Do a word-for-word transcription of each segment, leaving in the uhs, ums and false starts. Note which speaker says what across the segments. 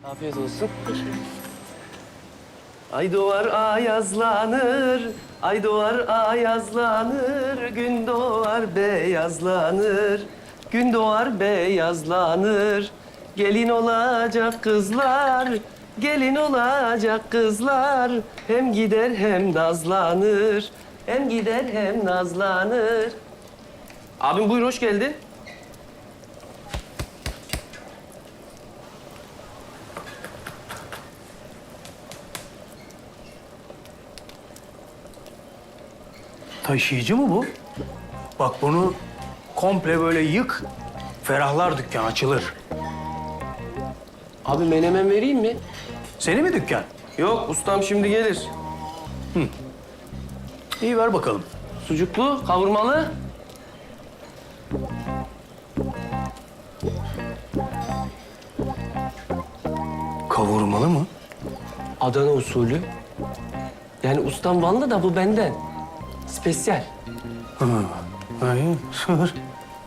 Speaker 1: Afiyet olsun. Ay doğar ayazlanır, ay doğar ayazlanır, gün doğar beyazlanır, gün doğar beyazlanır. Gelin olacak kızlar, gelin olacak kızlar, hem gider hem nazlanır, hem gider hem nazlanır. Abim buyur, hoş geldin.
Speaker 2: Taşıyıcı mı bu? Bak bunu komple böyle yık, ferahlar dükkan açılır.
Speaker 1: Abi menemen vereyim mi?
Speaker 2: Seni mi dükkan?
Speaker 1: Yok, ustam şimdi gelir.
Speaker 2: İyi ver bakalım.
Speaker 1: Sucuklu, kavurmalı.
Speaker 2: Kavurmalı mı?
Speaker 1: Adana usulü. Yani ustam Vanlı da bu benden. Spesyal.
Speaker 2: Ha, iyi, sığır.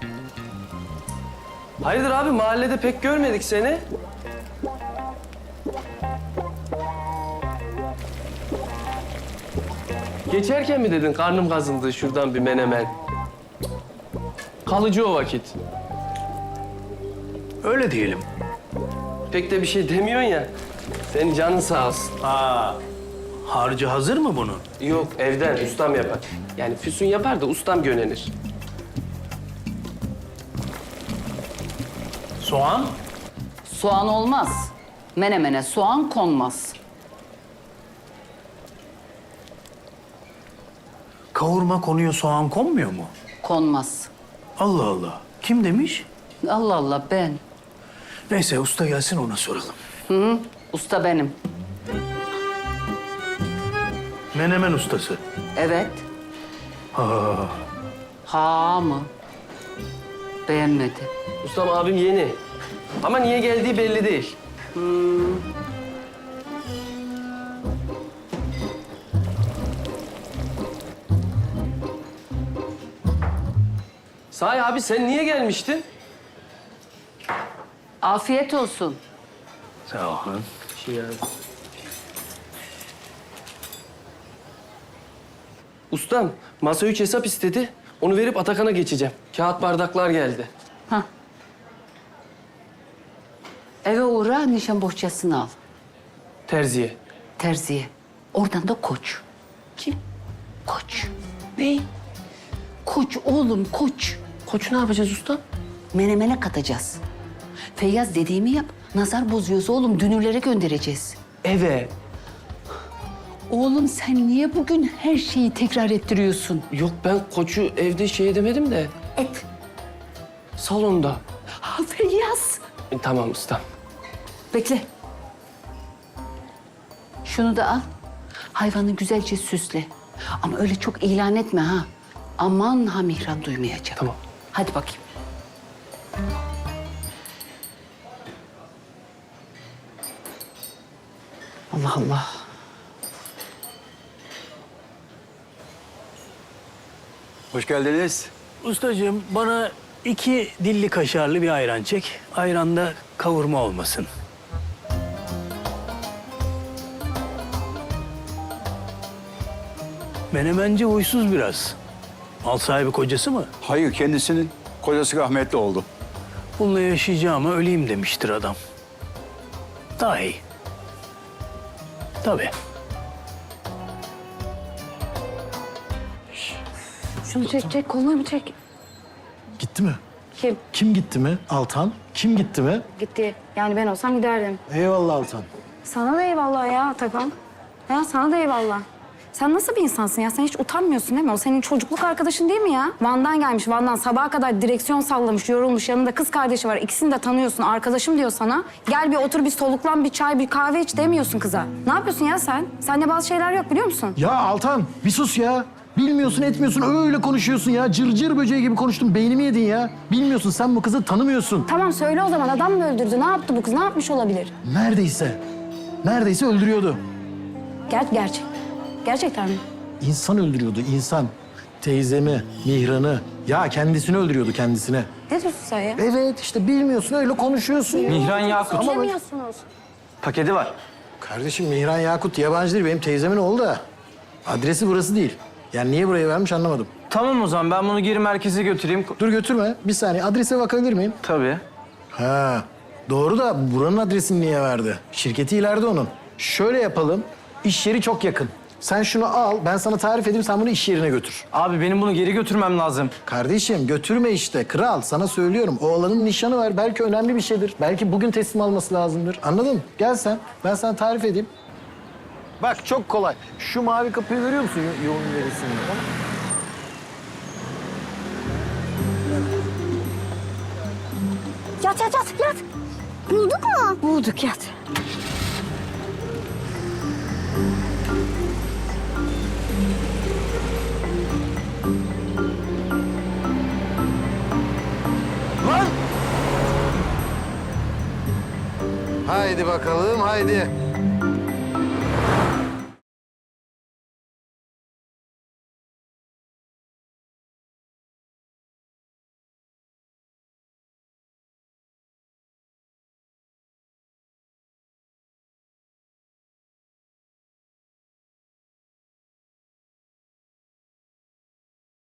Speaker 1: Hayırdır abi, mahallede pek görmedik seni. Geçerken mi dedin karnım kazındı şuradan bir menemen? Kalıcı o vakit.
Speaker 2: Öyle diyelim.
Speaker 1: Pek de bir şey demiyorsun ya. Senin canın sağ olsun.
Speaker 2: Aa, harcı hazır mı bunun?
Speaker 1: Yok, evden ustam yapar. Yani Füsun yapar da ustam gönenir.
Speaker 2: Soğan?
Speaker 3: Soğan olmaz. Menemene soğan konmaz.
Speaker 2: Kavurma konuyor, soğan konmuyor mu?
Speaker 3: Konmaz.
Speaker 2: Allah Allah. Kim demiş?
Speaker 3: Allah Allah ben.
Speaker 2: Neyse usta gelsin ona soralım.
Speaker 3: Hı hı, usta benim.
Speaker 2: Menemen ustası.
Speaker 3: Evet.
Speaker 2: Ha,
Speaker 3: Ha mı? Beğenmedi.
Speaker 1: Ustam abim yeni. Ama niye geldiği belli değil. Sahi abi sen niye gelmiştin?
Speaker 3: Afiyet olsun.
Speaker 2: sağ olun.
Speaker 1: Şey ya. Ustam masa üç hesap istedi. Onu verip Atakan'a geçeceğim. Kağıt bardaklar geldi.
Speaker 3: Hah. Eve uğra, nişan bohçasını al.
Speaker 1: Terziye.
Speaker 3: Terziye. Oradan da koç.
Speaker 1: Kim?
Speaker 3: Koç.
Speaker 1: Ne?
Speaker 3: Koç oğlum, koç.
Speaker 1: Koçu ne yapacağız ustam?
Speaker 3: Menemene katacağız. Feyyaz dediğimi yap. Nazar bozuyoruz oğlum, dünürlere göndereceğiz.
Speaker 1: Eve.
Speaker 3: Oğlum sen niye bugün her şeyi tekrar ettiriyorsun?
Speaker 1: Yok ben koçu evde şey edemedim de.
Speaker 3: Et.
Speaker 1: Salonda.
Speaker 3: Ha Feyyaz.
Speaker 1: E, tamam ustam.
Speaker 3: Bekle. Şunu da al. Hayvanı güzelce süsle. Ama öyle çok ilan etme ha. Aman ha Mihran duymayacak.
Speaker 1: Tamam.
Speaker 3: Hadi bakayım. Allah Allah.
Speaker 4: Hoş geldiniz.
Speaker 2: Ustacığım bana iki dilli kaşarlı bir ayran çek. Ayranda kavurma olmasın. Menemenci huysuz biraz. Mal sahibi kocası mı?
Speaker 4: Hayır, kendisinin kocası rahmetli oldu.
Speaker 2: Bununla yaşayacağıma öleyim demiştir adam. Daha iyi. Tabii.
Speaker 5: Şunu çek, çek. Kolunu çek.
Speaker 6: Gitti mi?
Speaker 5: Kim?
Speaker 6: Kim gitti mi? Altan. Kim gitti mi?
Speaker 5: Gitti. Yani ben olsam giderdim.
Speaker 6: Eyvallah Altan.
Speaker 5: Sana da eyvallah ya Atakan. Ya sana da eyvallah. Sen nasıl bir insansın ya? Sen hiç utanmıyorsun değil mi? O senin çocukluk arkadaşın değil mi ya? Van'dan gelmiş, Van'dan sabaha kadar direksiyon sallamış, yorulmuş. Yanında kız kardeşi var. İkisini de tanıyorsun. Arkadaşım diyor sana. Gel bir otur, bir soluklan, bir çay, bir kahve iç demiyorsun kıza. Ne yapıyorsun ya sen? Sende bazı şeyler yok biliyor musun?
Speaker 6: Ya Altan bir sus ya. Bilmiyorsun etmiyorsun öyle konuşuyorsun ya. Cırcır cır böceği gibi konuştun. Beynimi yedin ya. Bilmiyorsun sen bu kızı tanımıyorsun.
Speaker 5: Tamam söyle o zaman. Adam mı öldürdü? Ne yaptı bu kız? Ne yapmış olabilir?
Speaker 6: Neredeyse. Neredeyse öldürüyordu.
Speaker 5: Ger gerçek. Gerçekten mi?
Speaker 6: İnsan öldürüyordu insan. Teyzemi, Mihran'ı. Ya kendisini öldürüyordu kendisine.
Speaker 5: Ne diyorsun sen ya?
Speaker 6: Evet işte bilmiyorsun öyle konuşuyorsun.
Speaker 7: Mihran Yakut.
Speaker 5: Suçlamıyorsunuz.
Speaker 7: Paketi var.
Speaker 6: Kardeşim Mihran Yakut yabancı değil, benim teyzemin oğlu da. Adresi burası değil. Yani niye buraya vermiş anlamadım.
Speaker 7: Tamam o zaman ben bunu geri merkeze götüreyim.
Speaker 6: Dur götürme. Bir saniye adrese bakabilir miyim?
Speaker 7: Tabii.
Speaker 6: Ha, doğru da buranın adresini niye verdi? Şirketi ileride onun. Şöyle yapalım. İş yeri çok yakın. Sen şunu al, ben sana tarif edeyim, sen bunu iş yerine götür.
Speaker 7: Abi benim bunu geri götürmem lazım.
Speaker 6: Kardeşim götürme işte. Kral, sana söylüyorum. Oğlanın nişanı var. Belki önemli bir şeydir. Belki bugün teslim alması lazımdır. Anladın mı? Gel sen. Ben sana tarif edeyim. Bak çok kolay. Şu mavi kapıyı görüyor musun yo- yoğun ilerisinde?
Speaker 5: Yat yat yat yat. Bulduk mu? Bulduk yat.
Speaker 6: Haydi bakalım, haydi.